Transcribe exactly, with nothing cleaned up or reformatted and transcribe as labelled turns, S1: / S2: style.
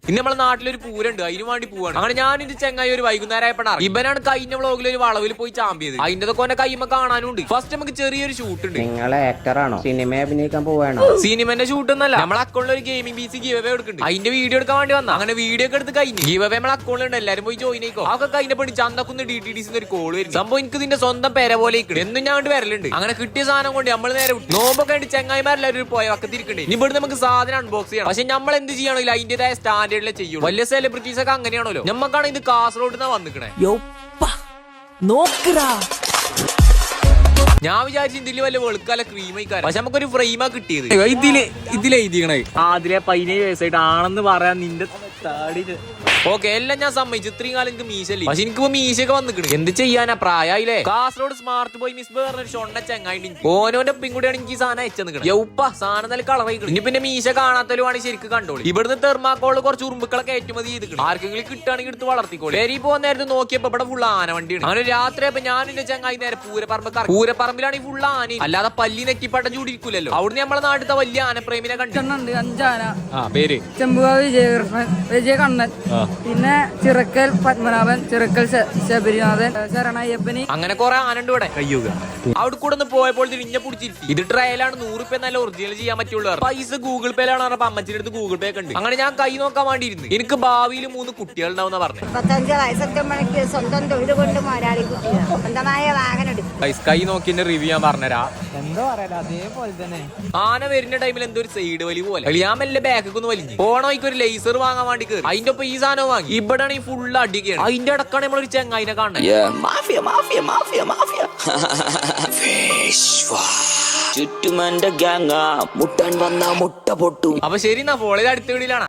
S1: ഇന്ന് നമ്മളെ നാട്ടിലൊരു പൂരണ്ട്, അതിന് വേണ്ടി പോവാണ്. അങ്ങനെ ഞാൻ ഇത് ചെങ്ങായി ഒരു വൈകുന്നേരം ആയപ്പോഴാണ് ഇവനാണ് കഴിഞ്ഞ വ്ളോഗിൽ ഒരു വളവിൽ പോയി ചാമ്പിയത്. അതിന്റെ ഒക്കെ കൈമ കാണാനുണ്ട്. ഫസ്റ്റ് നമുക്ക് ചെറിയൊരു ഷൂട്ട് ഉണ്ട്.
S2: നിങ്ങളെ ആക്ടറാണോ? സിനിമ അഭിനയിക്കാൻ പോവാണോ?
S1: സിനിമന്റെ ഷൂട്ട് ഒന്നല്ല, നമ്മളെ അക്കൗണ്ടിൽ ഒരു gaming P C giveaway എടുക്കുന്നുണ്ട്. അതിന്റെ വീഡിയോ എടുക്കാൻ വേണ്ടി വന്ന. അങ്ങനെ വീഡിയോ ഒക്കെ എടുത്ത് കഴിഞ്ഞു. ഗീവ് അവേ നമ്മളെ അക്കൗണ്ടിൽ ഉണ്ട്, എല്ലാരും പോയി ജോയിൻ ആയിക്കോ. അതൊക്കെ കഴിഞ്ഞ പണി Chanthakkunnu D T D C ഒരു കോൾ വരും. സംഭവം എനിക്ക് ഇതിന്റെ സ്വന്തം പേര പോലെ എന്നും ഞാൻ കൊണ്ട് വരലുണ്ട്. അങ്ങനെ കിട്ടിയ സാധനം കൊണ്ട് നമ്മൾ നേരെ നോമ്പൊക്കെ ആയിട്ട് ചെങ്ങായിമാരെല്ലാവരും പോയ വക്കത്തിരിക്കണ്ടേ. ഇനി ഇവിടെ നമുക്ക് സാധനം അൺബോക്സ് ചെയ്യണം. പക്ഷെ നമ്മൾ എന്ത് ചെയ്യണമെങ്കിൽ അതിന്റേതായ സ്റ്റാൻഡേർഡിലെ ചെയ്യും. വലിയ സെലിബ്രിറ്റീസ് ഒക്കെ അങ്ങനെയാണല്ലോ. നമ്മക്കാണ് ഇത് കാസർഗോഡ് നിന്നാ വന്നിക്കണേ. ഞാൻ വിചാരിച്ചു ഇതില് വല്ല വെളുക്കാല ക്രീം ആയിക്കാരം. പക്ഷെ നമുക്കൊരു ഫ്രെയിമാ കിട്ടിയത്.
S3: ഇതില് ഇതിലെഴുതിക്കണേ അതിലെ പതിനേഴ് വയസ്സായിട്ട് ആണെന്ന് പറയാൻ നിന്റെ താടി.
S1: ഓക്കെ, എല്ലാം ഞാൻ സമ്മതിച്ചു. ഇത്രയും കാലം എനിക്ക് മീശല്ലേ. പക്ഷെ എനിക്കിപ്പോ മീശയൊക്കെ വന്നിക്കണ്. എന്ത് ചെയ്യാനാ, പ്രായമായില്ലേ. കാസർഗോഡ് സ്മാർട്ട് ബോയ് മിസ് പറഞ്ഞൊരു ഷൊണ്ണ ചങ്ങായി ഓനോന്റെ പിൻകൂടെയാണ് എനിക്ക് ഈ സാധനം അയച്ചു. യൗപ്പ സാധനം നല്ല കളറായിക്കണം. ഇനി പിന്നെ മീശ കാണാത്തലുമാണ് ശരിക്കും കണ്ടോളി. ഇവിടുന്ന് തെർമാക്കോള് കുറച്ച് ഉറുമ്പുക്കളൊക്കെ ഏറ്റുമതി ചെയ്തിട്ടുണ്ട്. ആർക്കെങ്കിലും കിട്ടുകയാണെങ്കിൽ എടുത്ത് വളർത്തിക്കോളി. പേരി പോകുന്ന നേരത്ത് നോക്കിയപ്പോ ഇവിടെ ഫുൾ ആന വണ്ടിയാണ്. അങ്ങനെ രാത്രി ആയപ്പോ ഞാൻ എന്റെ ചങ്ങായി നേരെ പൂരപ്പറമ്പ് പൂരപ്പറമ്പിലാണ് ഈ ഫുൾ ആന. അല്ലാതെ പല്ലി നെറ്റിപ്പട്ടം ചൂടിരിക്കൂലല്ലോ. അവിടുന്ന് നമ്മളെ നാട്ടിലത്തെ വലിയ ആനപ്രേമിനെ കണ്ടിട്ടുണ്ട്.
S4: അഞ്ചാന
S3: പേര്
S4: ചെമ്പുകാവ് വിജയകൃഷ്ണൻ, വിജയകണ്ണൻ, പിന്നെ ചിറക്കൽ പത്മനാഭൻ, ചിറക്കൽ ശബരിനാഥൻ, ശരണയ്യപ്പനി,
S1: അങ്ങനെ കുറെ ആനണ്ട് ഇവിടെ. അവിടെ കൂടെ ഒന്ന് പോയപ്പോൾ ഇഞ്ഞ പിടിച്ചിരുത്തി. ഇത് ട്രയലാണ്, നൂറ് രൂപ നല്ല ഒറിജിനൽ ചെയ്യാൻ പറ്റുള്ളൂ. പൈസ ഗൂഗിൾ പേയിലാണ് പറഞ്ഞപ്പോ അമ്മച്ചിന്റെ അടുത്ത് ഗൂഗിൾ പേ ഒക്കെ ഉണ്ട്. അങ്ങനെ ഞാൻ കൈ നോക്കാൻ വേണ്ടിയിരുന്നു. എനിക്ക് ഭാവിയിൽ മൂന്ന് കുട്ടികൾ ഉണ്ടാവുന്ന പറഞ്ഞു.
S5: മുപ്പത്തഞ്ച് വയസ്സെത്തുമ്പോഴേക്ക് സ്വന്തം തൊഴിൽ കൊണ്ട് മുതലാളി കുട്ടികൾ സ്വന്തമായ വാഹനം എടുക്കും.
S1: കൈ നോക്കി റിവ്യൂ ഞാൻ പറഞ്ഞുതരാ.
S4: എന്തോ പറയാ അതേപോലെ തന്നെ
S1: ആന വരുന്ന ടൈമിൽ എന്തോ ഒരു സൈഡ് വലി പോലെ ഞാൻ മെല്ലെ ബാക്കൊക്കെ ഒന്ന് വലിഞ്ഞു. പോണോയ്ക്ക് ഒരു ലേസർ വാങ്ങാൻ വേണ്ടി കയറി. അതിന്റെ ഒപ്പം ഈ സാധനം വാങ്ങി. ഇവിടെയാണ് ഈ ഫുള്ള് അടിക്കുകയാണ്. അതിന്റെ അടക്കാണ് നമ്മളൊരു ചെങ്ങായിനെ കാണുന്നത്.
S6: ചുറ്റുമന്റെ ഗ്യാങ്ങ മുട്ടാൻ വന്ന മുട്ട പൊട്ടും.
S1: അപ്പൊ ശരി, എന്നാ ഫോളേജ് അടുത്ത വീടിലാണ്.